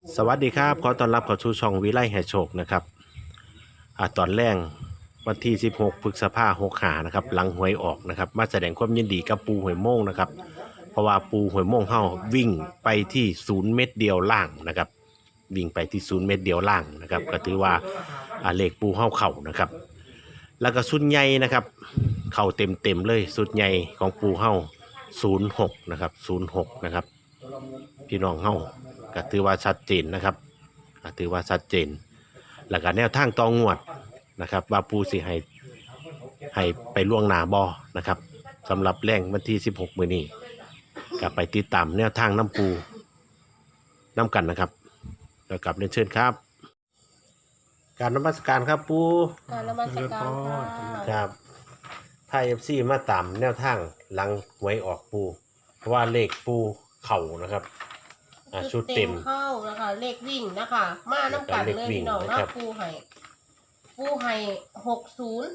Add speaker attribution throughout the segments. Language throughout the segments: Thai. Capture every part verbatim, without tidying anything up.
Speaker 1: สวัสดีครับขอต้อนรับเข้าสู่ช่องวิไลแห่โชคนะครับอ่าตอนแรกวันที่สิบหกพฤษภาคมหกห้านะครับหลังหวยออกนะครับมาแสดงความยินดีกับปูหวยโม่งนะครับเพราะว่าปูหวยโม่งเฮาวิ่งไปที่ศูนย์เม็ดเดียวล่างนะครับวิ่งไปที่ศูนย์เม็ดเดียวล่างนะครับก็ถือว่าอ่าเลขปูเฮาเข่านะครับแล้วก็สุดใหญ่นะครับเข่าเต็มเต็มเลยสุดใหญ่ของปูเฮาศูนย์หกนะครับศูนย์หกนะครับพี่น้องเฮาก็ถือว่าชัดเจนนะครับก็ถือว่าชัดเจนแล้วก็แนวทางตองวดนะครับว่าปูสิให้ให้ไปล่วงหน้าบอนะครับสำหรับแรงวันที่สิบหกมื้อนี้ก็ไปติดตามแนวทางน้ำปูน้ำกันนะครับแล้วกลับเรียนเชิญครับ การนมัสการครับปู
Speaker 2: การนมัสการค่ะ
Speaker 1: ครับไทยเอฟซีมาตามแนวทางหลังหวยออกปูเพราะว่าเลขปูเข่านะครับอ่าชุดเต็ม
Speaker 2: เข้านะคะเลขวิ่งนะคะ มาน้ำกัน
Speaker 1: เลข
Speaker 2: เลย
Speaker 1: วิ่ง
Speaker 2: พี่น้อง
Speaker 1: นะ
Speaker 2: นะครับ ปูไห่ปูไห่หกศูนย์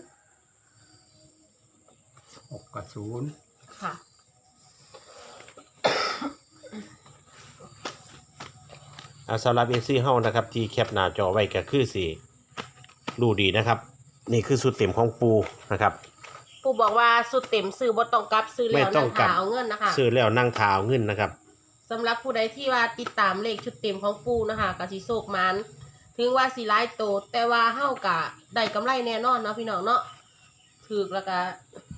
Speaker 3: หกกับศูนย์
Speaker 2: ค่ะ
Speaker 1: อ่าสำหรับเอฟซีเฮานะครับที่แคปหน้าจอไว้ก็คือสิดูดีนะครับ นี่คือสุดเต็มของปูนะครับ
Speaker 2: ปูบอกว่าสุดเต็มซื้อบต้องกลับซื้อ
Speaker 1: ไม่
Speaker 2: แล้ว
Speaker 1: ต้อ
Speaker 2: นะ
Speaker 1: งกลั
Speaker 2: คะ
Speaker 1: บ
Speaker 2: เอาเงินนะคะ
Speaker 1: ซื้อแล้วนั่งเท้าเงินนะครับ
Speaker 2: สำหรับผู้ใดที่ว่าติดตามเลขชุดเต็มของปูนะคะกสิโศกมันถึงว่าสีร้ายโตแต่ว่าเฮากะได้กำไรแน่นอนเนาะพี่น้องเนาะถือแล้วก็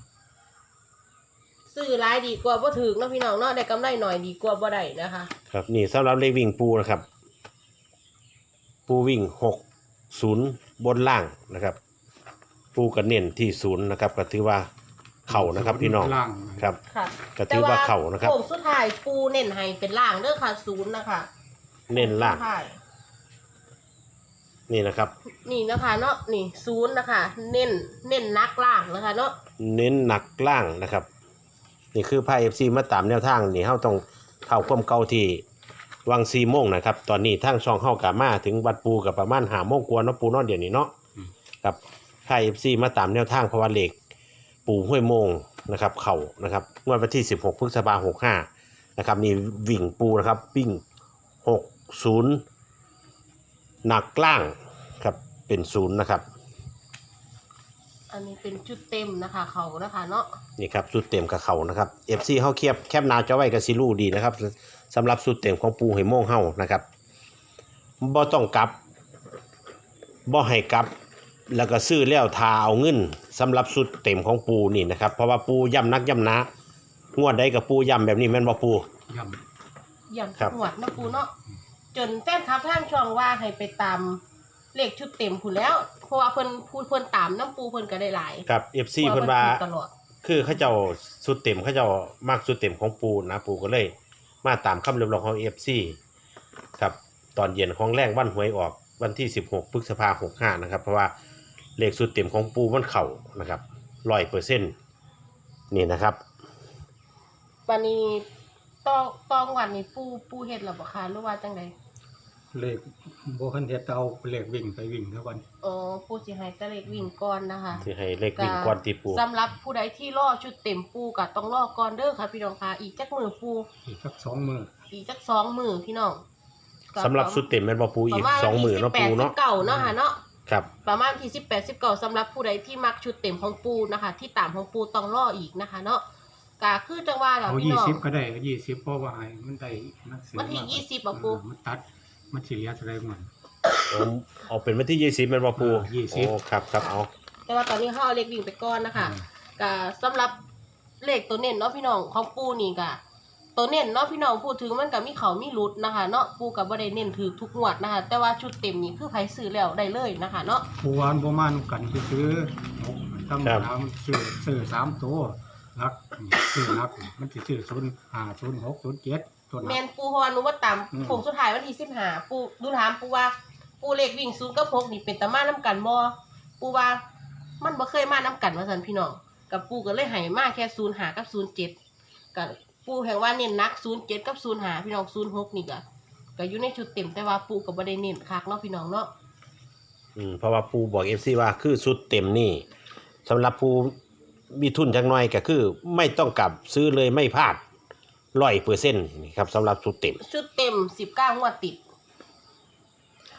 Speaker 2: ซื้อร้ายดีกว่าบ่ถือเนาะพี่น้องเนาะได้กำไรหน่อยดีกว่าบ่ได้นะคะ
Speaker 1: ครับนี่สำหรับเลขวิ่งปูนะครับ ปูวิ่งหกศูนย์บนล่างนะครับ ปูกระเน้นที่ศูนย์นะครับก็ถือว่าเข่านะครับพี่น้อง
Speaker 3: ล่าง
Speaker 1: ครับ
Speaker 2: ค่ะ
Speaker 1: ก็ถือว่าเข่านะครับ
Speaker 2: โค้งสุดท้ายปูเน้นให้เป็นล่างเด้อค่ะศูนย์นะคะ
Speaker 1: เน้นล่าง
Speaker 2: โค้สุดท้ย
Speaker 1: นี่นะครับ
Speaker 2: นี่นะคะเนาะนี่ศูนย์นะคะ เน้นเน้นนักล่างนะคะเนาะ
Speaker 1: เน้นหนักล่างนะครับ นี่คือไพ่เอฟซีมาตามแนวทางนี่เฮาต้องเข้าความเก่าที่วังซีโมงนะครับ ตอนนี้ทางช่องเฮากามาถึงวัดปูกับประมาณหาโมงกว่าเนาะปูเนอนเดี๋ยวนี้เนาะกับไพ่เอฟซีมาตามแนวทางเพราะว่าเหล็กปูห้วยโมงนะครับ เข่านะครับงวดวันที่สิบหกพฤษภาคมหกห้านะครับนี่วิ่งปูนะครับวิ่งหกศูนย์หนักล่างครับเป็นศูนย์นะครับ
Speaker 2: อันนี้เป็นจุดเต็มนะคะเขานะคะเนาะ
Speaker 1: นี่ครับสุดเต็มกับเขานะครับ เอฟ ซี เฮาเคียบแคบหนาจอไว้กับซิลูดีนะครับสำหรับสุดเต็มของปูไหโม่งเฮานะครับบ่ต้องกลับบ่ให้กลับ แล้วก็ซื้อแล้วทาเอาเงินสำหรับสุดเต็มของปูนี่นะครับเพราะว่าปูย่ำนักย่ำหนางวดใดกับปูย่ำแบบนี้แม่นบ่ปู
Speaker 3: ย่
Speaker 2: อย่าง
Speaker 1: ครับ
Speaker 2: หวดนะปูเนาะจนแฟนคลับทางช่องว่าให้ไปตามเลขชุดเต็มผู้แล้วเพราะว่าเพิ่นพูดเพิ่นตามน้ำปูเพิ่นก็ได้หลาย
Speaker 1: ครับ เอฟ ซี เพิ่นว่า
Speaker 2: พระถูกตลอด
Speaker 1: คือเขาเจ้าสุดเต็มเขาเจ้ามากสุดเต็มของปูนะปูก็เลย มาตามคำเรียกร้องของ เอฟ ซี ครับตอนเย็นของแรงวันหวยออกวันที่สิบหกพฤษภาคมหกห้านะครับเพราะว่าเลขสุดเต็มของปูมันเข่านะครับร้อยเปอร์เซ็นต์นี่นะครับ
Speaker 2: วันนี้ต้องต้องวันนี้ปูปูเฮ็ดแล้วบ่คะหรือว่าจังได
Speaker 3: ำเลขโบคันเทสเอาเลขวิ่งไปวิ่งแล้ววัน
Speaker 2: อ๋อปูสิให้แต่เลขวิ่งก่อนนะคะ
Speaker 1: ที่ให้เลขวิ่งก้อนตีปู
Speaker 2: สำหรับผู้ใดที่รอชุดเต็มปูก็ต้องรอก่อนเด้อค่ะพี่น้องค่ะอีกจักมือปู
Speaker 3: อีกสักสองมือ
Speaker 2: อีกจักสองมือพี่น้องก็
Speaker 1: สำหรับสุดเต็มแม่นบ่ปูอีก
Speaker 2: ประมาณ
Speaker 1: สองหมื่นเนาะปูเนาะ
Speaker 2: สิบแปดสิบเก้าเนาะค่ะเนาะ
Speaker 1: ครับ
Speaker 2: ประมาณที่สิบแปดสิบเก้าสำหรับผู้ใดที่มักชุดเต็มของปูนะคะ ที่ตามของปูต้องรออีกนะคะ เนาะก็คือจังว่าเรา
Speaker 3: เอา
Speaker 2: พี่
Speaker 3: ยี่
Speaker 2: น้อง
Speaker 3: สิบก็ได้ยี่สิบเพราะว่าให้มันได้นักเสีย
Speaker 2: วันที่
Speaker 3: มา
Speaker 2: ยี่สิบอะปู
Speaker 3: เออมันตัดมันสิเหลียเท่าไรหมด
Speaker 1: ผมเอาเป็นวันที่ยี่สิบแม่นบ่ปู
Speaker 3: เออยี่สิบ
Speaker 1: โอ้ครับครับเอา
Speaker 2: แต่ว่าตอนนี้เขาเอาเลขวิ่งไปก่อนนะคะก็สำหรับเลขตัวเน้นเนาะพี่น้องของปูนี่ก็ตัวเน้นเนาะพี่น้องพูดถึงมันก็มีเขามีรุดนะคะ เนาะปูกับบ่ได้เน้นถือทุกงวดนะคะ แต่ว่าชุดเต็มนี่คือไผซื้อแล้วได้เลยนะคะ เนาะ
Speaker 3: ผู้วานโบมานกันที่ซื้อหกตั้งสามซื้อซื้อสามตัวรักซื้อรักมันสิซื้อศูนย์ห้าศูนย์หกศูนย์เจ็ดตัว
Speaker 2: แม
Speaker 3: นัก
Speaker 2: นปูเพราะว่าหนูว่าตาม
Speaker 3: อืม
Speaker 2: โค้งสุดท้ายวันที่สิบห้าปูดูถามปูว่า ปูเลขวิ่งศูนย์กับหกนี่เป็นตามาน้ำกันบ่ปูว่ามันบ่เคยมาน้ำกันว่าซั่นพี่น้องกับปูก็เลยให้มาแค่ศูนย์ห้ากับศูนย์เจ็ดกับปูแห่งว่าเน้นหนักศูนย์เจ็ดกับศูนย์ห้าพี่น้องศูนย์หกนี่ก็ก็อยู่ในชุดเต็มแต่ว่าปูก็บ่ได้เน้นคักเนาะพี่น้องเนาะ
Speaker 1: อืมเพราะว่าปูบอก เอฟ ซี ว่าคือสุดเต็มนี่สำหรับปูมีทุนจักหน่อยก็คือ ไม่ต้องกลับซื้อเลยไม่พลาดร้อยเปอร์เซ็นต์นี่ครับสำหรับสุดเต็ม
Speaker 2: ชุดเต็มสิบเก้างวดติด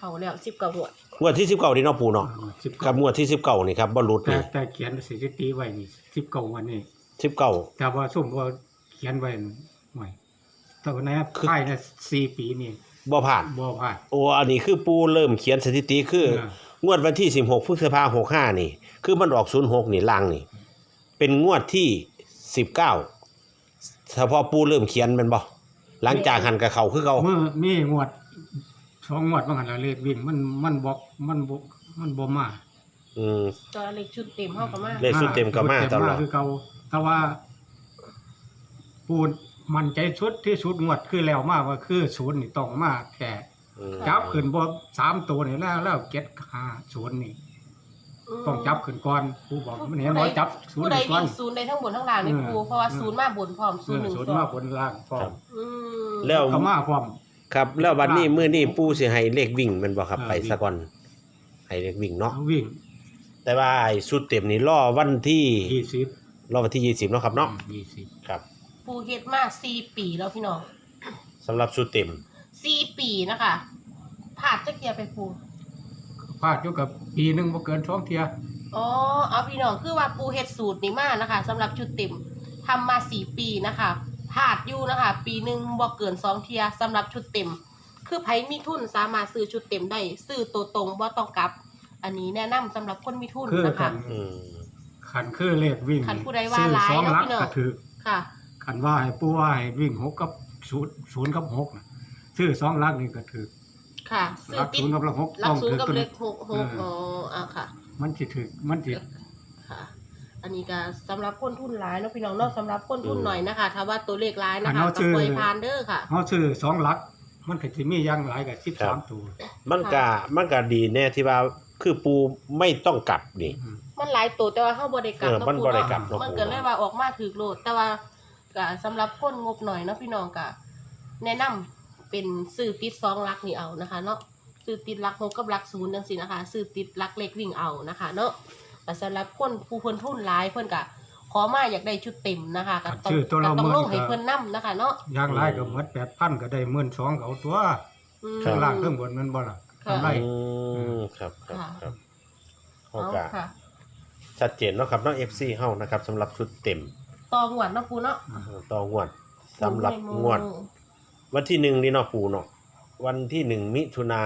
Speaker 2: เขาแล้วสิบเก้างวด
Speaker 1: งวดที่สิบเก้านี่เนาะปูเนาะ
Speaker 3: สิบ
Speaker 1: กับ
Speaker 3: เก้าง
Speaker 1: วดที่สิบเก้านี่ครับบ่หลุด
Speaker 3: แต่
Speaker 1: นี่
Speaker 3: แต่เขียนสถิติไว้นี่สิบเก้าวันนี้
Speaker 1: สิบเก้า
Speaker 3: แต่ว่าซุ่มว่าเขียนไว้หน่อยแต่ว่าใน
Speaker 1: คือ
Speaker 3: ภายในสี่ปีนี่
Speaker 1: บ่ผ่าน
Speaker 3: บ่ผ่าน
Speaker 1: โอ้อันนี้คือปูเริ่มเขียนสถิติคือ
Speaker 3: เออ
Speaker 1: งวดวันที่สิบหกพฤษภาคมหกห้านี่ คือมันออกศูนย์หกนี่ล่างนี่ เป็นงวดที่สิบเก้าเฉพาะปูเริ่มเขียนแมันบ่หลังจากหันกับเขาคือเขา
Speaker 3: เมื่อมีงวดสองงวดว่าหันละเลขวิ่งมันมันบอกมันบ่มันบ่มา
Speaker 1: อืม
Speaker 2: ตัวเลขชุดเต็มเฮาก็มา
Speaker 1: เลข สุดเต็มก็มา
Speaker 3: ชุด
Speaker 1: ตลอด
Speaker 3: คือเก่าแต่ว่าปูนมันใจชุดที่สุดงวดคือแล้วมาว่าคือศูนย์นี่ต้องมาแค่
Speaker 1: อืม
Speaker 3: จับขึ้นบ่สามตัวนี่แล้วแล้วเก็ดห้าศูนย์นี่
Speaker 2: ม
Speaker 3: ต้องจับขึ้นก่อนผู้บอกมันเห็นว่าจับศูน
Speaker 2: ผู้
Speaker 3: ย์
Speaker 2: ใด
Speaker 3: นี่ก่อ
Speaker 2: วิ่
Speaker 3: น
Speaker 2: งศูนย์ได้ทั้งบนทั้งล่างนี่
Speaker 3: เออ
Speaker 2: ครูเพราะว่า
Speaker 3: เออ
Speaker 2: ศูนย์มาบนพร้อม
Speaker 3: เอ
Speaker 2: ศูนย์
Speaker 3: อ
Speaker 2: หนึ่ง
Speaker 3: ศูนย์
Speaker 2: สอ
Speaker 3: มาง บนล่างพร้อ
Speaker 1: ครั
Speaker 3: ม
Speaker 1: บ
Speaker 2: อืม
Speaker 1: แล้ว
Speaker 3: ก็มาพร้อม
Speaker 1: ครับ แล้ววันนี้มื้อนี้ปูสิให้เลขวิ่งแมันบ่ครับ
Speaker 3: เออ
Speaker 1: ไปซะก่อนให้เลขวิ่งเนาะ
Speaker 3: เอาวิ่ง
Speaker 1: แต่ว่าไอ้ชุดเต็มนี่รอวันที่
Speaker 3: ยี่สิบ
Speaker 1: รอวันที่ยี่สิบเนาะครับเนาะ
Speaker 3: ยี่สิบ
Speaker 1: ครับ
Speaker 2: ปูเฮ็ดมาสี่ปีแล้วพี่น้อง
Speaker 1: สำหรับชุดเต็ม
Speaker 2: สี่ปีนะคะผ่านจักเกียร์ไปปู
Speaker 3: พลาดอยู่กับปีหนึงบ่เกินสองเที่ย
Speaker 2: อ๋อเอาพี่น้องคือว่าปูเฮ็ดสูตรนี้มานะคะสำหรับชุดเต็มทำมาสี่ปีนะคะพลาดอยู่นะคะ ปีหนึ่งบ่เกินสองเทียสำหรับชุดเต็ม คือไผมีทุนสามารถซื้อชุดเต็มได้ซื้อตัวตรงบ่ต้องกลับ อันนี้แนะนำสำหรับคนมีทุน
Speaker 3: คือ
Speaker 2: นะ
Speaker 3: คั
Speaker 2: คะ
Speaker 3: น
Speaker 1: อืม
Speaker 3: คันคือเลขวิ่ง
Speaker 2: คันผู้ใดว่า
Speaker 3: ซื้อ
Speaker 2: หลาย
Speaker 3: สอง
Speaker 2: เนาะ
Speaker 3: หลัก
Speaker 2: พี่น้อง
Speaker 3: ก็ถือ
Speaker 2: ค่ะ
Speaker 3: คันว่าให้ผู้ว่าให้วิ่งหกกับศูนย์ศูนย์กับหกน่ะซื้อสองหลักนี่ก็ถือ
Speaker 2: ค่ะซื้
Speaker 3: ห
Speaker 2: อ
Speaker 3: ลัก
Speaker 2: ติด
Speaker 3: ศูนย์กับหลักหก
Speaker 2: หลั
Speaker 3: ต้
Speaker 2: ก
Speaker 3: อง
Speaker 2: ศูน
Speaker 3: ถื
Speaker 2: ย์
Speaker 3: อ
Speaker 2: กับ
Speaker 3: ตัว
Speaker 2: เล
Speaker 3: นี้
Speaker 2: ขหกหกอ๋ออ่ะค่ะ
Speaker 3: มันสิถือมันสิ
Speaker 2: ค่ะ อันนี้ก็สำหรับคนทุนหลายเนาะพี่น้องเนาะสำหรับคนทุนหน่อยนะคะถ้าว่าตัวเลขหลายนะคะก็ปล่อยผ่านเด้อค่ะ
Speaker 3: เฮาซื้อสองหลัก มันก็สิมีอย่างหลายก็สิบสามตัว
Speaker 1: มันก็มันก็ดีแน่ที่ว่าคือปูไม่ต้องกลับนี่
Speaker 3: อืม
Speaker 2: มันหลายตัวแต่ว่าเฮาบ่ได้กลับ
Speaker 1: เออ
Speaker 2: เนาะ
Speaker 1: มัน
Speaker 2: ปู
Speaker 1: บ่ได้
Speaker 2: เนาะ
Speaker 1: กลับเนาะ
Speaker 2: มันก็เลยว่าออกมาถูกโลดแต่ว่าก็สำหรับคนงบหน่อยเนาะพี่น้องก็แนะนำเป็นซื้อติดสองหลักนี่เอานะคะเนาะซื้อติดหลักหกกับหลักศูนย์จังซี่นะคะซื้อติดหลักเลขวิ่งเอานะคะเนาะแต่สำหรับคนผู้เพิ่นทุนหลายเพิ่นก็ขอมาอยากได้ชุดเต็มนะคะก็ต้อง
Speaker 3: ชื่อตัว
Speaker 2: ก็
Speaker 3: เรา
Speaker 2: ต้อง
Speaker 3: เมื่
Speaker 2: ล
Speaker 3: อง
Speaker 2: ให้เพิ่นนํนะคะเนาะ
Speaker 3: อย่างหลายก็หมดแปดพันก็ได้หมื่นสองก็เอาตัว
Speaker 2: อืม
Speaker 3: ข้างล่างข้างบนมันบ่ล่ะ
Speaker 2: ค่ะ
Speaker 3: กำไร
Speaker 1: อืมครับครับ
Speaker 2: ค่ะ
Speaker 1: ครับโอ
Speaker 2: เอา
Speaker 1: เค
Speaker 2: ค่ะ
Speaker 1: ชัดเจนเนาะครับเนาะ เอฟ ซี เฮานะครับสำหรับชุดเต็ม
Speaker 2: ต่องวดเนาะปูเนาะ
Speaker 1: ต่องวดสำหรับงวด วันที่หนึ่งนี่เนาะปูเนาะวันที่หนึ่งมิถุนา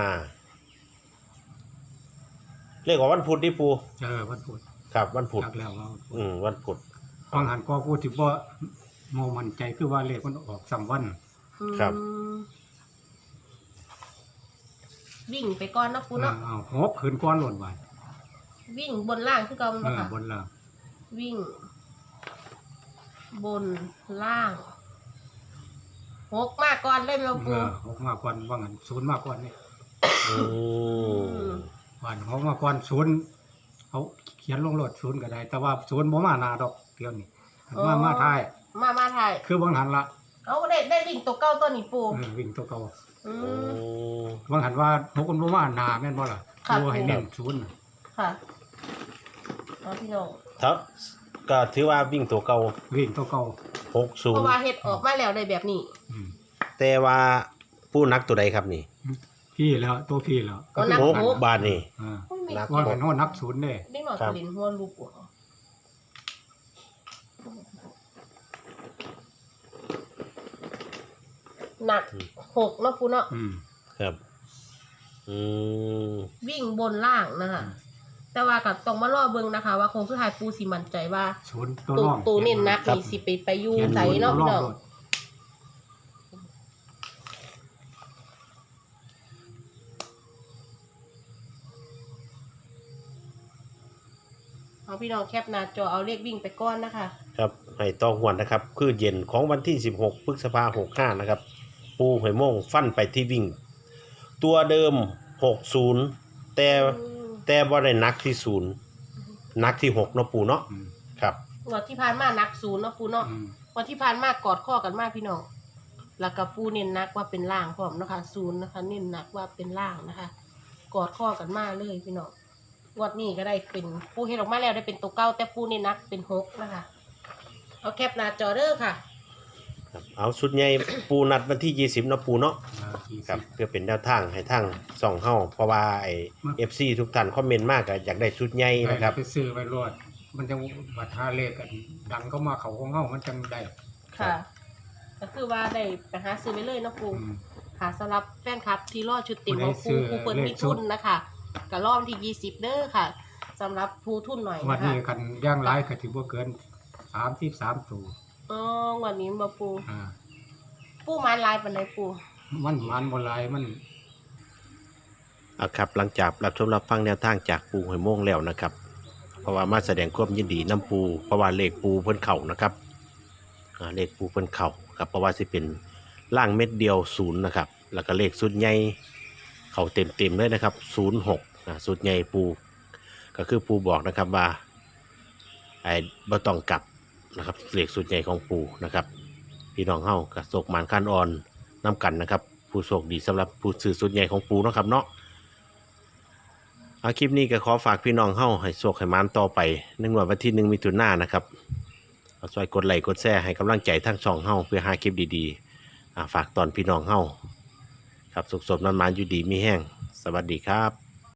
Speaker 1: เรียกว่าวันพุธนี่ปู
Speaker 3: เออวันพุธ
Speaker 1: ครับ วันพุธ
Speaker 3: จักแล้วว่า
Speaker 1: อืมวันพุธ
Speaker 3: บางหันก็พูดสิบ่โมมั่นใจคือว่าเลขมันออกสามวัน
Speaker 1: ครับ
Speaker 2: อืมวิ่งไปก่อนเนาะปูเนาะ
Speaker 3: อ้าวหกคืนก้อนหล่นไว้
Speaker 2: วิ่งบนล่างคือเก่า
Speaker 3: เอ
Speaker 2: เนาะ
Speaker 3: อ
Speaker 2: ค่ะ
Speaker 3: บนล่าง
Speaker 2: วิ่ง บนล่างหกมากก่อนเลยแม่
Speaker 3: เอ
Speaker 2: ปู
Speaker 3: อหกมาก่อนว่างั้นศูนย์มาก่อนนี่
Speaker 1: อืม
Speaker 3: วันหกมาก่อนศูนย์เอาเขียนลงโลดศูนย์ก็ได้ แต่ว่าศูนย์บ่มาหน้าดอกเดียวนี่มามาท้าย
Speaker 2: มามาถ่าย
Speaker 3: คือบางหันละ
Speaker 2: เอาได้ได้วิ่งตัวเก้าตัวนี้ปู
Speaker 3: เออวิ่งตัวเก่า
Speaker 2: อื
Speaker 1: อื
Speaker 2: ม
Speaker 1: ม
Speaker 3: บางหันว่าหกคนบ่มาหน้าแม่นบ่ล่ะ
Speaker 2: ค่ะ
Speaker 3: ตัวให้เน้นศูนย์น่ะ
Speaker 2: ค่ะเอาพี่น้อง
Speaker 1: ครับก็ถือว่าวิ่งตัวเก่า
Speaker 3: วิ่งตัวเก่า
Speaker 1: หกศู
Speaker 2: เพ
Speaker 1: น
Speaker 2: ราะ
Speaker 1: ย์
Speaker 2: ว่าเฮ็ดออกมาแล้วได้แบบนี้
Speaker 3: อืม
Speaker 1: แต่ว่าผู้นักตัวใดครับนี่
Speaker 3: พี่แล้วตัวพี่แล้ว
Speaker 2: ก็นับ
Speaker 1: หก
Speaker 2: หก
Speaker 1: บาทนี่
Speaker 3: อ่า
Speaker 2: โอ้ยไม่
Speaker 1: นัก
Speaker 3: ว่ากันว่านับศูนย์เด้
Speaker 2: เด็กหน่อย
Speaker 1: ครั
Speaker 2: ก็
Speaker 1: บ
Speaker 2: เล่นหัวลูกอ่ะหนักหกเนาะปูเนาะ
Speaker 3: อืม
Speaker 1: ครับ อืม
Speaker 2: วิ่งบนล่างนะคะแต่ว่าก็ต้องมารอเบิ่งนะคะ ว่าคงคือหายปูสิมั่นใจว่า
Speaker 3: ศูนย์ตัว
Speaker 2: ตู
Speaker 3: ร่อง
Speaker 2: ตูเน้นนักนี่สิไปไปอยู่
Speaker 3: เขียน
Speaker 2: ใส
Speaker 3: ศูนย์
Speaker 2: เนาะ
Speaker 3: ตัว
Speaker 2: พี่
Speaker 3: ร่อง
Speaker 2: น้อง
Speaker 3: โลด
Speaker 2: เอาพี่น้องแคปหน้าจอเอาเลขวิ่งไปก้อนนะคะ
Speaker 1: ครับให้ต้องหวนนะครับ คือเย็นของวันที่สิบหกพฤษภาคมหกห้านะครับ ปูหอยโม่งฟันไปที่วิ่ง ตัวเดิมหกศูนย์แต่แต่บ่ได้นักที่ศูนย์นักที่หกเนาะปูเนาะ
Speaker 3: อืม
Speaker 1: ครับ
Speaker 2: งวันที่ผ่านมานักศูนย์เนาะปูเนาะ
Speaker 3: อืม
Speaker 2: วันที่ผ่านมากอดข้อกันมากพี่น้องแล้วก็ปูเน้นนักว่าเป็นล่างพร้อมนะคะศูนย์นะคะ เน้นนักว่าเป็นล่างนะคะ กอดข้อกันมากเลยพี่น้องงวดนี้ก็ได้เป็นปูเฮ็ดออกมาแล้วได้เป็นตัวเก้าแต่ปูเน้นนักเป็นหกนะคะเอาแคปหน้าจอเด้อค่ะ
Speaker 1: ครับเอาชุดใหญ่ ปูนัดวันที่ยี่สิบเนาะปูเนาะ
Speaker 3: อ่าสี่
Speaker 1: ครั
Speaker 3: สิ
Speaker 1: บบ เพื่อเป็นแนวทางให้ทางส่องเฮาเพราะว่าไอ้ เอฟ ซี ทุกท่านคอมเมนต์มากก็อยากได้ชุดใหญ่นะครับ
Speaker 3: ไปซื้อไปรวดมันจะบัตรหาเลขกันดังก็มาเขาของเฮามันจังได้
Speaker 2: ค่ะ ก็คือว่าได้ไปหาซื้อไปเลยเนาะปู
Speaker 3: อืม
Speaker 2: ค่ะสำหรับแฟนคลับที่รอชุดเต็มของ
Speaker 3: ผู้
Speaker 2: ปู
Speaker 3: ใดซื้อ
Speaker 2: ปูเปิด
Speaker 3: เลข
Speaker 2: มี
Speaker 3: ชุ
Speaker 2: ทุ
Speaker 3: ด
Speaker 2: นนะคะก็รอบที่ยี่สิบเด้อค่ะสำหรับผู้ทุนหน่อย
Speaker 3: วัน
Speaker 2: นะคะ
Speaker 3: นี้กันย่างหลายก็สิบ่เกินสามสิบสามตัว
Speaker 2: อ๋อวันนี้มาปู
Speaker 3: อ่า
Speaker 2: ปูไม้ลายปันไดปู
Speaker 3: มันมันบ่หลายมัน
Speaker 1: เอาครับหลังจากรับชมรับฟังแนวทางจากปูหอยโม่งแล้วนะครับ เพราะว่ามาแสดงความยินดีน้ำปูเพราะว่าเลขปูเพิ่นเข่านะครับอ่าเลขปูเพิ่นเข่าครับเพราะว่าสิเป็นล่างเม็ดเดียวศูนย์นะครับแล้วก็เลขสุดใหญ่เข่าเต็มเต็มๆเลยนะครับศูนย์หกนะสุดใหญ่ปูก็คือปูบอกนะครับว่าไอ้บ่ต้องกลับนะครับเลขสุดใหญ่ของปูนะครับพี่น้องเฮากับโศกหมานคันอ่อนน้ำกันนะครับผู้โชคดีสำหรับผู้ซื้อสุดใหญ่ของปูเนาะครับเนาะ เอาคลิปนี้ก็ขอฝากพี่น้องเฮาให้โชคให้มานต่อไปหนึ่งวันที่หนึ่งมิถุนายนนะครับเอาช่วยกดไลค์กดแชร์ให้กำลังใจทั้งช่องเฮาเพื่อหาคลิปดีๆอ่าฝากตอนพี่น้องเฮาครับสุขสมนั้นมานอยู่ดีมีแห้งสวัสดีครับ